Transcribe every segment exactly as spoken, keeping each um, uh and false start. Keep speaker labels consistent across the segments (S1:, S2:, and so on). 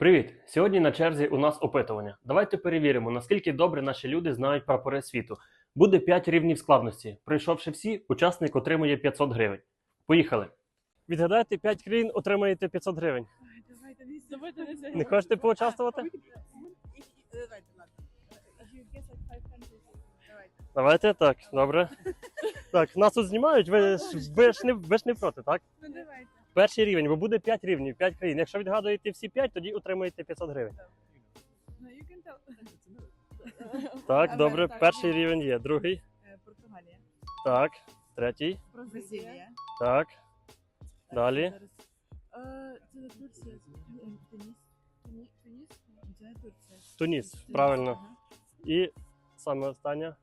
S1: Привіт! Сьогодні на черзі у нас опитування. Давайте перевіримо, наскільки добре наші люди знають прапори світу. Буде п'ять рівнів складності. Пройшовши всі, учасник отримує п'ятсот гривень. Поїхали! Відгадайте п'ять країн, отримаєте п'ятсот гривень.
S2: Давайте, давайте, давайте.
S1: Не хочете поучаствувати?
S2: Давайте, ладно. Давайте.
S1: Давайте, так, добре. Так, нас тут знімають, ви ж, ви ж, не, ви ж не проти, так?
S2: Ну давайте.
S1: Перший рівень, бо буде п'ять рівнів, п'ять країн. Якщо відгадуєте всі п'ять, тоді отримаєте п'ятсот гривень.
S2: Ну, you can tell.
S1: Так, добре, перший рівень є. Другий,
S2: Е, Португалія.
S1: так, третій,
S2: Бразилія.
S1: так, далі.
S2: Е, Це Турція. Туніс. Туні- Туніс? Це не Турція.
S1: Туніс, правильно. І саме останнє.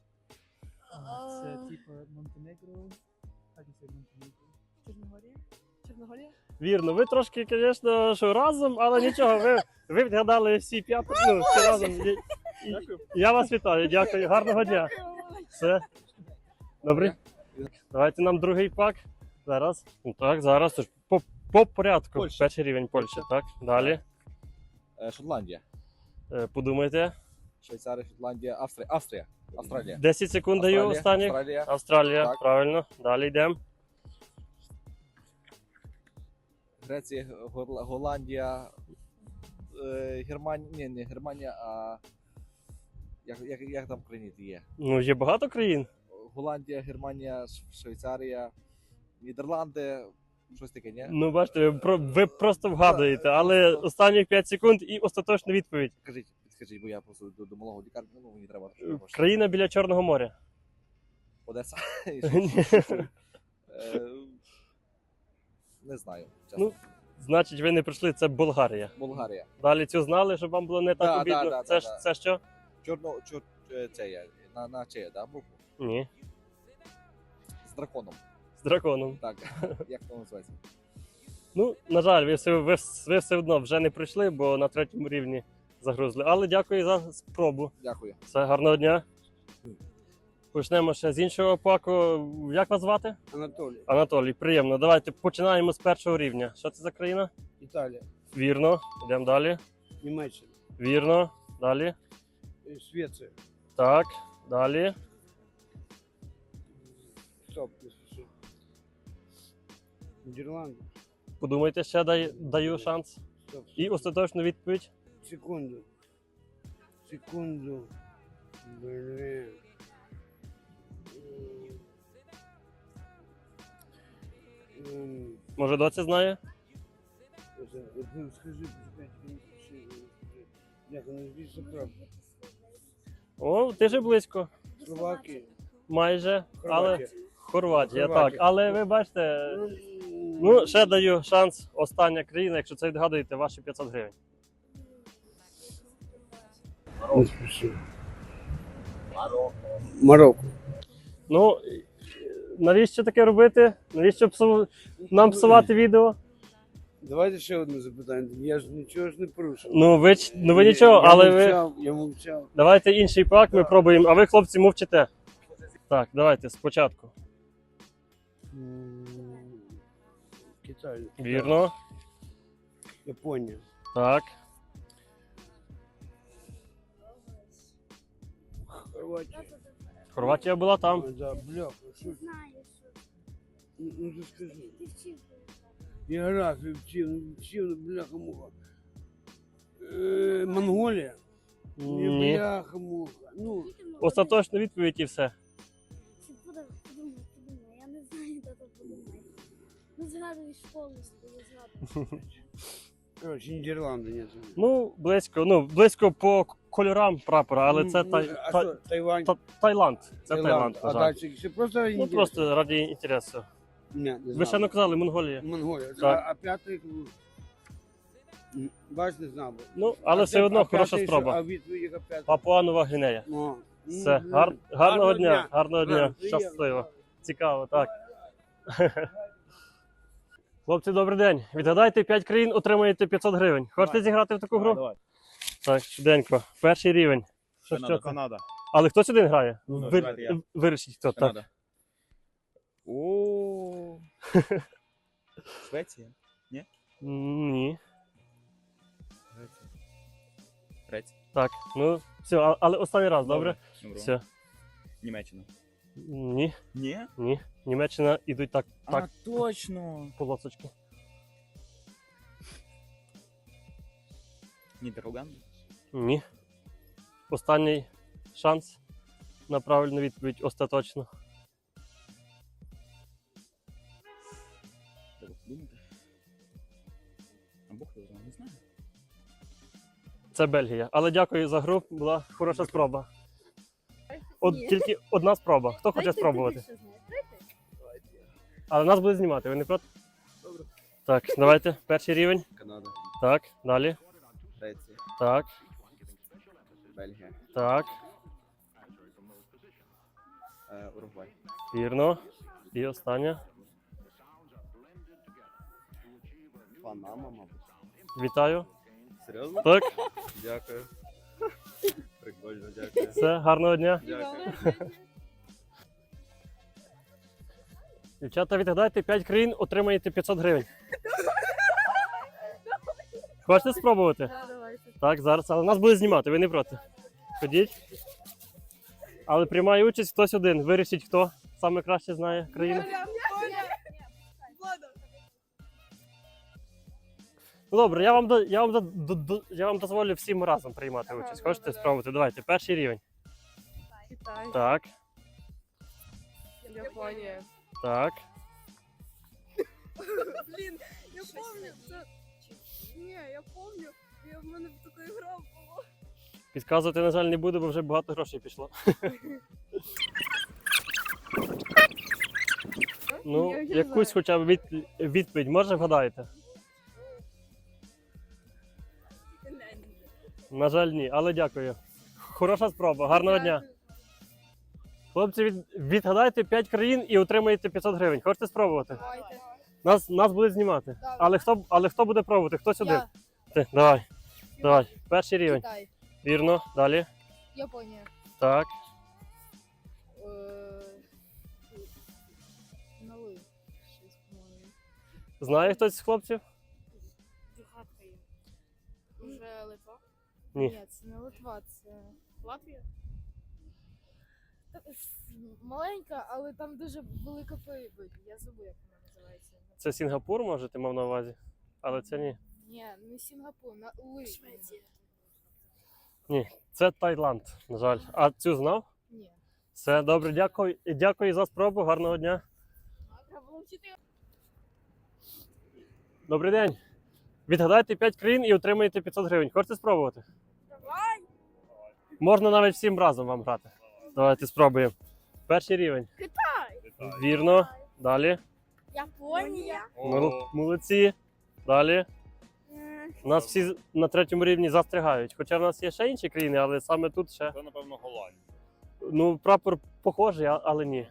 S2: Це
S3: типа Монтенегро. Як це Монтенегро?
S2: Чорногорія? Чорногорія?
S1: Вірно, ви трошки, звісно, що разом, але нічого, ви, ви відгадали всі п'ять, ну, всі разом. І- і- Я вас вітаю, дякую, гарного дня. Все. Добре. Давайте нам другий пак. Зараз. Ну, так, зараз. Тож По, по порядку.
S4: Польща.
S1: Перший рівень Польщі, так. Далі.
S4: Е, Шотландія,
S1: Е, Подумайте.
S4: Швейцарія, Шотландія, Австрія, Австрія, Австралія.
S1: десять секунд даю
S4: Австралія,
S1: останніх.
S4: Австралія,
S1: Австралія,
S4: Так.
S1: правильно. Далі йдемо.
S4: Греція, Горла- Голландія, е, Германія, ні, не Германія, а як, як, як там країни є?
S1: Ну, є багато країн.
S4: Голландія, Германія, Ш- Швейцарія, Нідерланди, щось таке, ні?
S1: Ну, бачите, ви, про- ви просто вгадуєте, але останніх п'ять секунд і остаточна відповідь.
S4: Скажіть, підскажіть, бо я просто до, до малого лікарні, ну мені треба.
S1: Країна біля Чорного моря.
S4: Одеса.
S1: Ні.
S4: Е, Не знаю, чесно.
S1: Ну, Значить, ви не прийшли, це Болгарія.
S4: Болгарія.
S1: Далі цю знали, щоб вам було не так
S4: Да,
S1: обідно.
S4: да, да,
S1: це,
S4: да,
S1: ж,
S4: да.
S1: це що?
S4: Чорно, чор, е, це є, на, на це є, да, букву?
S1: Ні.
S4: З драконом.
S1: З драконом.
S4: Так, як це називається?
S1: Ну, на жаль, ви все, ви, ви все одно вже не прийшли, бо на третьому рівні загрузли. Але дякую за спробу.
S4: Дякую.
S1: Все, гарного дня. Почнемо ще з іншого паку. Як вас звати?
S3: Анатолій.
S1: Анатолій, приємно. Давайте починаємо з першого рівня. Що це за країна?
S3: Італія.
S1: Вірно. Йдемо далі.
S3: Німеччина.
S1: Вірно. Далі.
S3: Е, Швеція.
S1: Так. Далі.
S3: Стоп, не спіши. Нідерланди.
S1: Подумайте ще, дай, даю шанс.
S3: Стоп.
S1: І остаточну відповідь.
S3: Секунду. Секунду. Блин. М,
S1: Може, доця знає?
S3: это, ну, скажи, пускай, не спіши, не спіши. Як воно звідси правда?
S1: О, ти же близько.
S3: Словакія.
S1: Майже. Але
S3: Хорватія.
S1: Хорватія,
S3: Хорватія.
S1: так. Але ви бачите, ну, ще даю шанс. Остання країна, якщо це відгадуєте, ваші п'ятсот гривень.
S3: Не спіши. Марокко.
S1: Ну, навіщо таке робити? Навіщо псу... нам псувати відео?
S3: Давайте ще одне запитання. Я ж нічого ж не порушив.
S1: Ну, ви, ч- ну, ви нічого,
S3: я
S1: але ви...
S3: мовчав, Я мовчав.
S1: Давайте інший пак, ми пробуємо, а ви, хлопці, мовчите. Так, давайте спочатку.
S3: М, Китай.
S1: Вірно.
S3: Японія.
S1: Так.
S3: Хорватія.
S1: Хорватія була там.
S3: А, да, бляха, що ж?
S5: Знаю, що
S3: Ну, ну ти скажи.
S5: ти вчив.
S3: Географію вчив, ну, вчив, ну, бляха муха. Е, Монголія?
S1: Ні.
S3: Бляха муха. Ну,
S1: Остаточну відповідь і все.
S5: Чи подумай, подумай, подумай. Я не знаю, де то подумай. Ну, згадуєш повністю, не згадуєш.
S3: коротше, Нідерланди, ні.
S1: Ну, близько, ну, близько по кольорам прапора, але це тай...
S3: Ну, а
S1: та-
S3: що, Тайвань?
S1: та- Таїланд. Це Таїланд,
S3: А
S1: на жаль.
S3: далі ще просто
S1: Ну, просто раді інтересу.
S3: Ні, не
S1: Ви
S3: знав.
S1: ще не казали Монголія.
S3: Монголія.
S1: Так.
S3: А, а п'ятий, м, бач, не знав. би.
S1: Ну, але
S3: А
S1: все
S3: це-
S1: одно
S3: а
S1: хороша
S3: п'ятий що?
S1: спроба.
S3: А відповідь яка п'ята?
S1: Папуа-Нова Гвінея.
S3: О,
S1: Все,
S3: ну,
S1: гар... гарного дня, гарного дня,
S3: Гарно, приємно.
S1: щасливо. Цікаво, так. Хлопці, добрий день. Відгадайте п'ять країн, отримаєте п'ятсот гривень. Хочете зіграти в таку гру?
S4: Давай.
S1: Так, швиденько. Перший рівень. Що, що це?
S4: Канада.
S1: Але хтось один грає?
S4: Ну,
S1: Вир...
S4: давайте я.
S1: Вирішіть, хто так.
S4: Канада. О. Швеція.
S1: Ні.
S6: Греція.
S1: Так, ну все, а- але останній раз, добре?
S6: Добре.
S1: Все.
S6: Німеччина.
S1: Ні,
S6: Ні?
S1: ні. Німеччина ідуть так, так,
S6: А, точно.
S1: полосочки.
S6: Нідерланди.
S1: Ні. Останній шанс на правильну відповідь остаточно.
S6: Треба подумати. Або хто знає, не знаю.
S1: Це Бельгія. Але дякую за гру, була хороша спроба. От
S5: Ні.
S1: тільки одна спроба. Хто хоче
S5: Дайте
S1: спробувати?
S5: ти більше знаєш. Дайте.
S1: Але нас буде знімати, ви не проти? Добре. Так, давайте. Перший рівень.
S7: Канада,
S1: Так, далі.
S7: Греція,
S1: Так,
S7: Бельгія,
S1: так.
S7: е, Уругвай,
S1: Вірно. І остання.
S7: Панама, мабуть.
S1: Вітаю.
S7: Серйозно?
S1: Так,
S7: Дякую. Прикольно, дякую.
S1: все, гарного дня.
S7: Дякую.
S1: Дівчата, відгадайте п'ять країн, отримаєте п'ятсот гривень. Хочете спробувати?
S2: Да, давайте.
S1: Так, зараз, але нас буде знімати, ви не проти. Ходіть. Але приймає участь хтось один. Вирішіть, хто саме краще знає країну. Ну добре, я вам, до- я вам, до- до- до- я вам дозволю всім разом приймати участь.
S2: Ага,
S1: Хочете
S2: добре.
S1: спробувати? Давайте, перший рівень.
S2: Китай.
S1: Так,
S2: Японія.
S1: так.
S2: Блін, я помню, це... Ні, я помню, я в мене в таку гра було.
S1: Підказувати, на жаль, не буду, бо вже багато грошей пішло. Ну,
S2: Я- я
S1: якусь
S2: знаю.
S1: хоча б від, відповідь, може вгадаєте? На жаль, ні, але дякую. Хороша спроба, гарного дня. Хлопці, від, відгадайте п'ять країн і отримаєте п'ятсот гривень. Хочете спробувати?
S2: Давайте.
S1: Нас, нас будуть знімати.
S2: Добре.
S1: Але хто, але хто буде пробувати? Хтось один?
S2: Я.
S1: Ти, давай, давай. Перший рівень.
S2: Китай.
S1: Вірно, далі.
S2: Японія.
S1: Так,
S2: Новий. Щось, по-моєму.
S1: знає хтось з хлопців?
S2: Дюхатка є. Уже Литва?
S1: Ні.
S2: Ні, це не Литва, це Латвія. Маленька, але там дуже велика прибиль. Я забув, як вона називається.
S1: Це Сінгапур, може, ти мав на увазі? Але це ні.
S2: Ні, не Сінгапур, на Ли. Швеція.
S1: Це Таїланд, на жаль. А цю знав?
S2: Ні.
S1: Все, добре, дякую. І дякую за спробу. Гарного дня.
S2: Треба було вчити.
S1: Добрий день. Відгадайте п'ять країн і отримаєте п'ятсот гривень. Хочете спробувати?
S2: Давай!
S1: Можна навіть всім разом вам грати. Давайте спробуємо. Перший рівень.
S2: Китай!
S1: Вірно. Далі.
S2: Японія!
S1: Мол- Молодці. Далі. У нас всі з- на третьому рівні застрягають. Хоча в нас є ще інші країни, але саме тут ще.
S8: Це, напевно, Голландія.
S1: Ну, прапор похожий, а- але ні.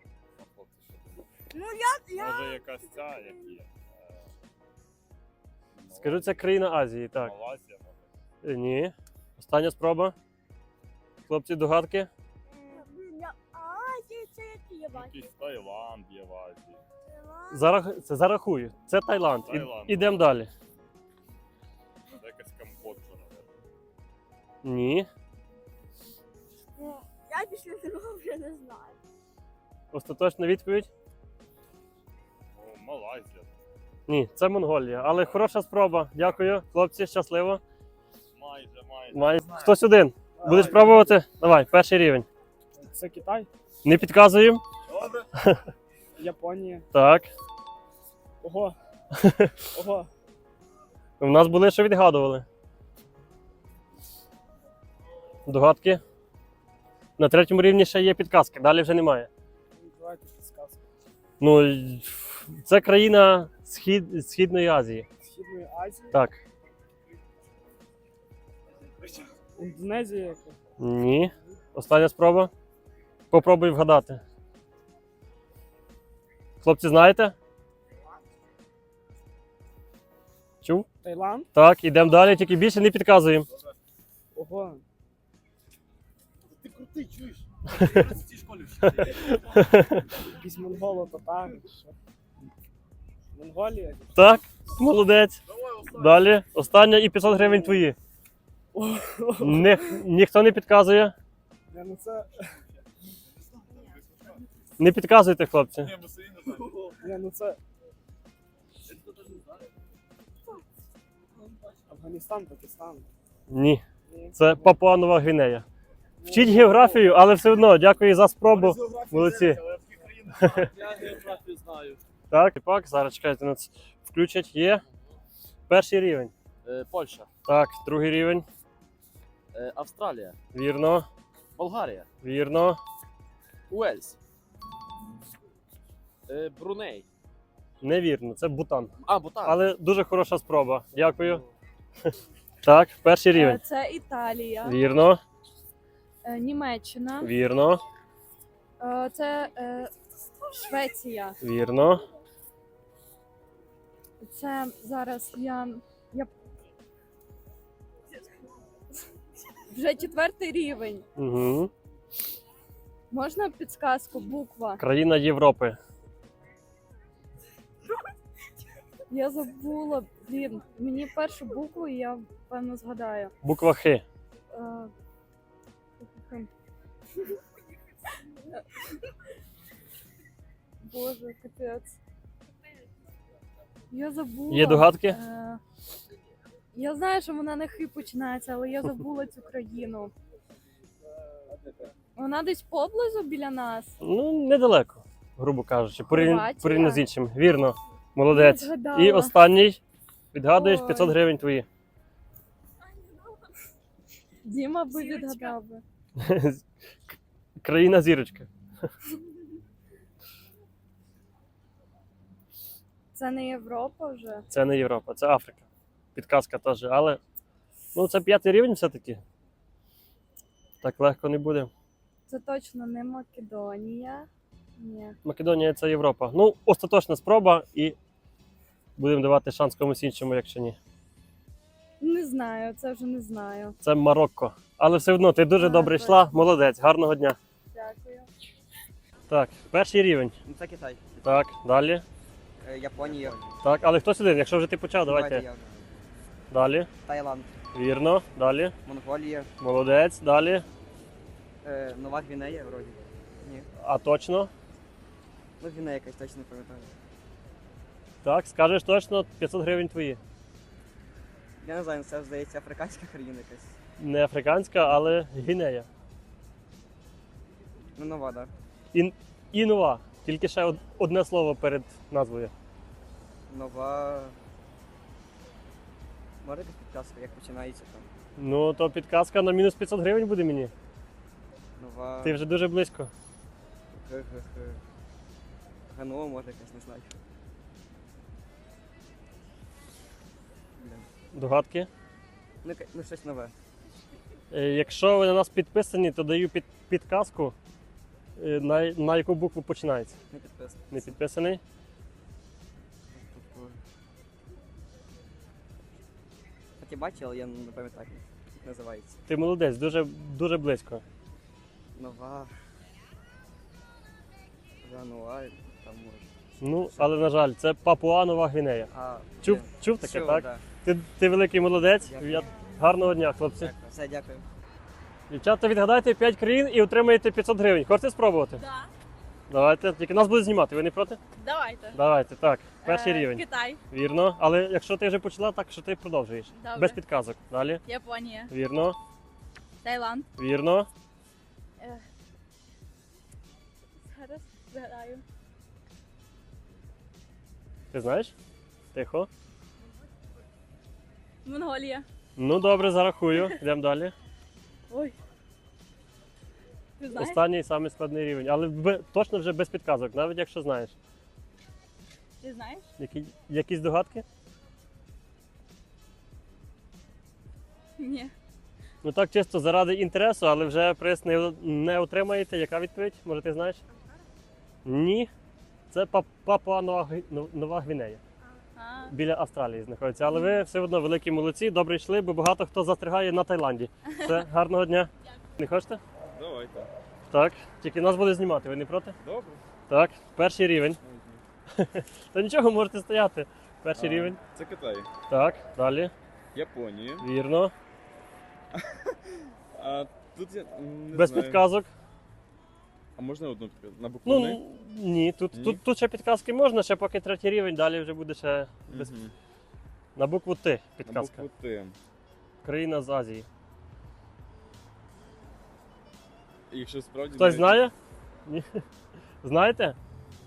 S5: Ну,
S8: Може, якась ця, як є. е,
S1: Скажу, це країна Азії, так.
S8: Малайзія, може.
S1: Е, Ні. Остання спроба. Хлопці, догадки?
S5: Азія, це які є бачу.
S8: Якийсь Таїланд є в Азії.
S1: Зарах... Це зарахую. Це Таїланд. І-
S8: Таїланд.
S1: Ідемо далі.
S8: Це якась Камбоджа, напевно.
S1: Ні.
S5: Ну, я після цього вже не знаю.
S1: Остаточна відповідь?
S8: Ну, Малайзія.
S1: Ні, це Монголія. Але хороша спроба. Дякую. Хлопці, щасливо.
S8: Майже, майже.
S1: Май... Хтось один. Будеш пробувати? Давай, перший рівень.
S9: Це Китай,
S1: Не підказуємо?
S9: Японія.
S1: Так.
S9: Ого. Ого.
S1: У нас були, що відгадували. Догадки? На третьому рівні ще є підказки, далі вже немає.
S9: Давайте підсказку.
S1: Ну, й- це країна Схід... Східної Азії.
S9: Східної Азії.
S1: Так.
S9: Індонезія яка?
S1: Ні. Остання спроба. Попробуй вгадати. Хлопці, знаєте? Чув?
S9: Таїланд?
S1: Так, ідемо далі, тільки більше не підказуємо.
S9: Ого.
S7: Ти крутий, чуєш?
S9: Якісь монголо татари. Що? Монголія?
S1: Так, Молодець. Далі. Остання і п'ятсот гривень твої. Ні, ніхто не підказує.
S9: Я ну це.
S1: Не підказуйте, хлопці.
S9: Я ну це. Афганістан, Пакистан.
S1: Ні.
S9: Ні.
S1: Це Папуа-Нова Гвінея. Вчіть географію, але все одно дякую за спробу. Молодці.
S4: Я географію знаю.
S1: Так, так, зараз чекайте, нас включать. Є. Перший рівень.
S4: Е, Польща,
S1: Так, другий рівень.
S4: е, Австралія,
S1: Вірно,
S4: Болгарія,
S1: вірно.
S4: Уельс, е, Бруней.
S1: Невірно, це Бутан.
S4: А, Бутан.
S1: Але дуже хороша спроба. Дякую. Так, перший рівень.
S2: Це Італія,
S1: Вірно,
S2: е, Німеччина,
S1: вірно,
S2: е, це е, Швеція.
S1: вірно.
S2: Це зараз я. я... Вже четвертий рівень.
S1: Угу.
S2: Можна підсказку? Буква.
S1: Країна Європи.
S2: Я забула, блін. Мені першу букву, і я певно згадаю.
S1: Буква Х.
S2: Е, Боже, капець. Я забула.
S1: Є догадки?
S2: Е, Я знаю, що вона на хи починається, але я забула цю країну. Вона десь поблизу біля нас.
S1: Ну, недалеко, грубо кажучи, порівняно
S2: Хорватія?
S1: порівняно з іншим. Вірно, молодець.
S2: Я згадала.
S1: І останній. Відгадуєш
S2: Ой.
S1: п'ятсот гривень твої.
S2: Діма би відгадав би.
S1: Країна зірочка.
S2: Це не Європа вже.
S1: Це не Європа, це Африка. Підказка теж, але ну, це п'ятий рівень все-таки. Так легко не буде.
S2: Це точно не Македонія. Ні.
S1: Македонія це Європа. Ну, остаточна спроба і будемо давати шанс комусь іншому, якщо ні.
S2: Не знаю, це вже не знаю.
S1: Це Марокко. Але все одно ти дуже
S2: А,
S1: добре
S2: точно.
S1: йшла. Молодець, гарного дня.
S2: Дякую.
S1: Так, перший рівень.
S10: Ну це Китай.
S1: Так, далі.
S10: Е, Японія.
S1: Так, але хтось один, якщо вже ти почав, давайте.
S10: я.
S1: Далі.
S10: Таїланд.
S1: Вірно, далі.
S10: Монголія.
S1: Молодець, далі.
S10: Е, Нова Гвінея, вроді. Ні.
S1: А точно?
S10: Ну, Гвінея якась точно не пам'ятаю.
S1: Так, скажеш точно, п'ятсот гривень твої.
S10: Я не знаю, це здається африканська країна якась.
S1: Не африканська, але Гвінея.
S10: Ну, нова, так.
S1: І, і нова. Тільки ще од- одне слово перед назвою.
S10: Да. Нова. Може якась підказка, як починається там.
S1: Ну, то підказка на мінус п'ятсот гривень буде мені.
S10: Нова.
S1: Ти вже дуже близько.
S10: Г-г-г. Ганова, може якась, не знаю. Бля.
S1: Догадки.
S10: Ну, яка- ну щось нове.
S1: Е, Якщо ви на нас підписані, то даю під, підказку, е, на, на яку букву починається.
S10: Не підписано.
S1: Не підписаний?
S10: Хоч і бачив, але я не пам'ятаю, як називається.
S1: Ти молодець, дуже, дуже близько.
S10: Нова. Гануа, там може.
S1: Ну, але на жаль, це Папуа-Нова Гвінея.
S10: А,
S1: Чув,
S10: блін,
S1: чув таке,
S10: чув,
S1: так?
S10: да.
S1: Ти, ти великий молодець.
S10: Дякую.
S1: Я... Гарного дня, хлопці.
S10: Дякую. Все, дякую.
S1: Дівчата, відгадайте п'ять країн і отримаєте п'ятсот гривень. Хочете спробувати?
S2: Да.
S1: Давайте. Тільки нас будуть знімати, ви не проти?
S2: Давайте.
S1: Давайте, так. Перший
S2: Е,
S1: рівень.
S2: Китай,
S1: Вірно. Але якщо ти вже почала, так що ти продовжуєш.
S2: Добре.
S1: Без підказок. Далі.
S2: Японія,
S1: Вірно.
S2: Таїланд.
S1: Вірно.
S2: Е, Зараз згадаю.
S1: Ти знаєш? Тихо.
S2: Монголія.
S1: Ну добре, зарахую. Йдемо далі.
S2: Ой. Ти знаєш?
S1: Останній самий складний рівень. Але бе- точно вже без підказок, навіть якщо знаєш.
S2: Ти знаєш?
S1: Які, якісь догадки?
S2: Ні.
S1: Ну так чисто заради інтересу, але вже приз не, не отримаєте. Яка відповідь? Може ти знаєш? Ні. Це Пап- Папуа-Нова Гві- Ну- Нова Гвінея.
S2: А,
S1: Біля Австралії знаходиться. Але ви все одно великі молодці, добре йшли, бо багато хто застрягає на Таїланді. Все, гарного дня. Не хочете?
S7: Давайте.
S1: Так. Тільки нас буде знімати, ви не проти?
S7: Добре.
S1: Так, перший рівень. Та нічого, можете стояти. Перший
S6: А,
S1: рівень.
S6: Це Китай.
S1: Так, далі.
S6: Японія.
S1: Вірно.
S6: А тут я м, не
S1: Без
S6: знаю.
S1: підказок.
S6: А можна одну підказку? На букву
S1: Ну,
S6: «Н»?
S1: н- ні, тут,
S6: Ні?
S1: Тут, тут ще підказки можна, ще поки третій рівень, далі вже буде ще без...
S6: Мгм.
S1: на букву Т
S6: На
S1: підказка.
S6: букву Т.
S1: Країна з Азії.
S6: І Якщо справді...
S1: Хтось
S6: навіть-
S1: знає? Ні. Знаєте?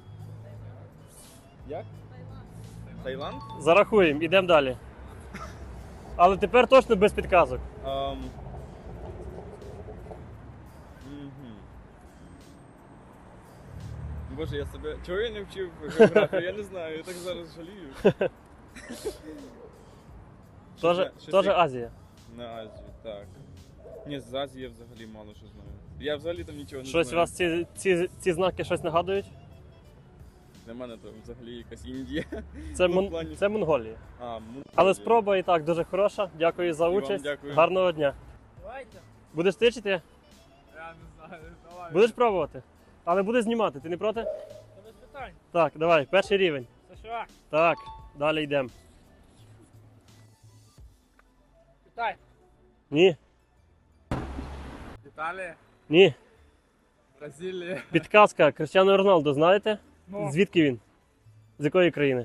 S6: Як? Таїланд?
S1: Зарахуємо, ідемо далі. Але тепер точно без підказок.
S6: Ам. Мгм. Боже, я себе. Чого я не вчив географію? Я не знаю, я так зараз жалію. Щось
S1: Тоже,
S6: я- щось
S1: тоже
S6: я-
S1: Азія.
S6: На Азію, так. Ні, з Азії я взагалі мало що знаю. Я взагалі там нічого не
S1: Щось у
S6: знаю.
S1: вас ці, ці, ці знаки щось нагадують?
S6: Для мене то взагалі якась Індія.
S1: Це,
S6: Ну, в
S1: Мон...
S6: плані-
S1: це Монголія.
S6: А, Монголія.
S1: Але спроба і так дуже хороша. Дякую за
S6: І вам
S1: участь.
S6: дякую.
S1: Гарного дня.
S9: Давайте.
S1: Будеш тичити?
S9: Я не знаю, давай.
S1: Будеш пробувати? Але будеш знімати, ти не проти?
S9: Та без питань.
S1: Так, давай, перший рівень.
S9: США.
S1: Так, далі йдемо.
S9: Китай.
S1: Ні,
S9: Італія.
S1: ні.
S9: Бразилія.
S1: Підказка. Кристіану Роналду, знаєте?
S9: Ну.
S1: Звідки він? З якої країни?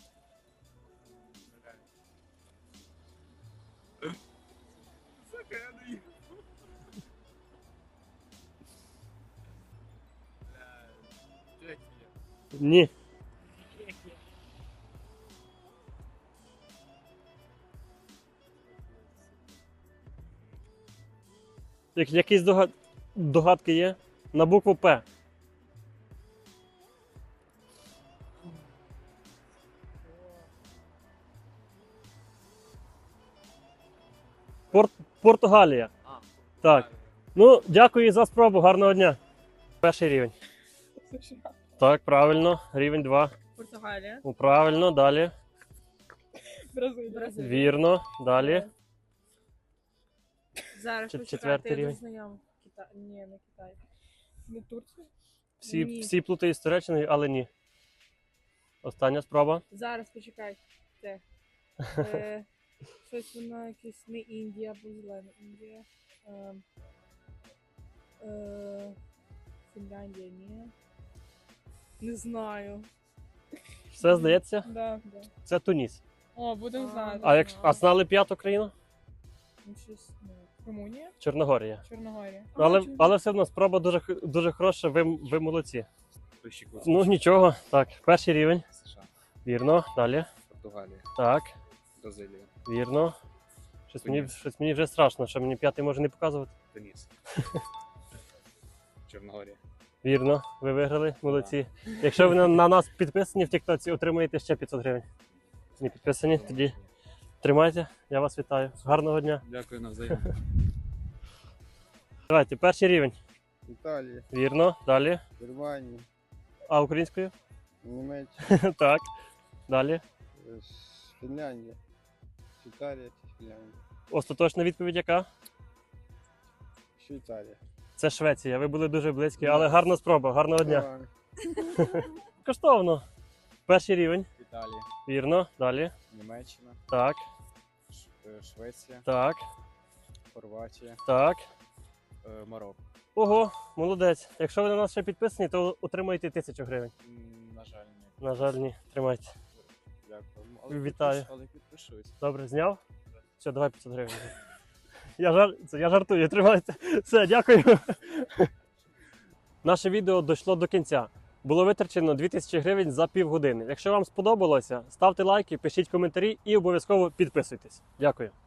S9: Сука, я не їм. Чехія.
S1: Ні.
S9: Чехія.
S1: Як, якісь догад... догадки є? На букву П. Пор... Португалія. Так. Ну, дякую за спробу. Гарного дня. Перший рівень. Так, правильно. Рівень два.
S2: Португалія.
S1: Ну, правильно, далі.
S2: Бразилія.
S1: Вірно, далі.
S2: Зараз
S1: Чет-
S2: почекайте,
S1: четвертий
S2: я
S1: рівень.
S2: дуже знайома. Китай. Ні, не Китай. Не Турція?
S1: Всі,
S2: Ні.
S1: всі плутають з Туреччиною, але ні. Остання спроба.
S2: Зараз почекайте. Е, щось воно якесь не Індія, або зелена Індія. Е, е, Фінляндія, ні. Не знаю.
S1: Все здається,
S2: Да, да.
S1: це Туніс.
S2: О, будемо знати.
S1: А якщо а знали п'яту країну?
S2: Ну, щось, ну, Румунія?
S1: Чорногорія.
S2: Чорногорія.
S1: Але,
S2: А, чому?
S1: але все одно спроба дуже, х- дуже хороша, ви, ви молодці. Ну нічого. Так, перший рівень.
S10: США,
S1: Вірно. Далі.
S10: Португалія,
S1: Так,
S10: Бразилія,
S1: вірно. Щось мені,
S10: Туніс.
S1: щось мені вже страшно, що мені п'ятий може не показувати.
S10: Туніс, Чорногорія.
S1: Вірно, ви виграли, молодці. Якщо ви на, на нас підписані в Тіктоці, отримаєте ще п'ятсот гривень. Не підписані, тоді тримайте, я вас вітаю. Гарного дня.
S10: Дякую навзаєм.
S1: Давайте, перший рівень.
S7: Італія,
S1: Вірно, далі.
S7: Германія,
S1: А українською?
S7: Німеччина,
S1: Так. Далі.
S7: е, Фінляндія. Швейцарія чи Фінляндія?
S1: Остаточна відповідь яка?
S7: Швейцарія.
S1: Це Швеція. Ви були дуже близькі, але гарна спроба. Гарного дня. Коштовно. Перший рівень.
S10: Італія,
S1: Вірно. Далі.
S10: Німеччина,
S1: Так.
S10: Ш- е, Швеція,
S1: Так.
S10: Хорватія,
S1: Так.
S10: е, Марокко.
S1: Ого, молодець. Якщо ви на нас ще підписані, то отримаєте тисячу гривень.
S10: М, На жаль, ні.
S1: На жаль, ні. Тримайте.
S10: Дякую. Але
S1: Вітаю.
S10: підпиш- Але підпишусь.
S1: Добре, зняв? Все, давай п'ятсот гривень. Я, жар... це, я жартую, тримайте. Все, дякую. Наше відео дійшло до кінця. Було витрачено дві тисячі гривень за півгодини. Якщо вам сподобалося, ставте лайки, пишіть коментарі і обов'язково підписуйтесь. Дякую.